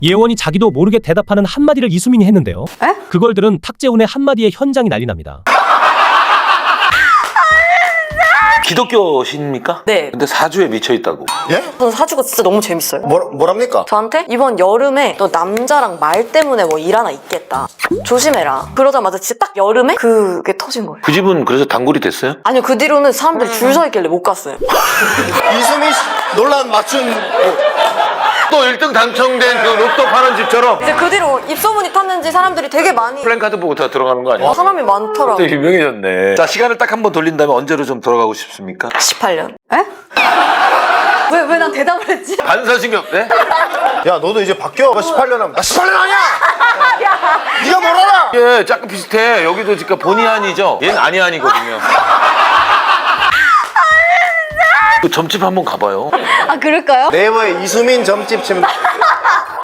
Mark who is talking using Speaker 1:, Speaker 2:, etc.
Speaker 1: 예원이 자기도 모르게 대답하는 한마디를 이수민이 했는데요.
Speaker 2: 에?
Speaker 1: 그걸 들은 탁재훈의 한마디에 현장이 난리 납니다.
Speaker 3: 기독교십니까?
Speaker 2: 네.
Speaker 3: 근데 사주에 미쳐있다고.
Speaker 4: 예?
Speaker 2: 저는 사주가 진짜 너무 재밌어요.
Speaker 4: 뭐랍니까?
Speaker 2: 저한테 이번 여름에 너 남자랑 말 때문에 뭐 일 하나 있겠다. 조심해라. 그러자마자 진짜 딱 여름에 그게 터진 거예요.
Speaker 3: 그 집은 그래서 단골이 됐어요?
Speaker 2: 아니요, 그 뒤로는 사람들이 줄 서 있길래 못 갔어요.
Speaker 4: 이수민 씨 논란 맞춘
Speaker 3: 또 1등 당첨된 그 로또 파는 집처럼
Speaker 2: 이제 그 뒤로 입소문이 탔는지 사람들이 되게 많이
Speaker 3: 플랜카드 보고 다 들어가는 거 아니야?
Speaker 2: 사람이 많더라고요.
Speaker 3: 되게 유명해졌네. 자, 시간을 딱 한 번 돌린다면 언제로 좀 돌아가고 싶습니까?
Speaker 2: 18년. 에? 왜 난 대답을 했지?
Speaker 3: 반사신경, 네?
Speaker 4: 야 너도 이제 바뀌어 18년 하면 나 18년 아니야! 네가 뭘 알아!
Speaker 3: 예, 약간 비슷해. 여기도 지금 본의 아니죠? 얘는 아니 아니거든요. 그 점집 한번 가봐요.
Speaker 2: 아, 그럴까요?
Speaker 4: 네이버에 이수민 점집 치면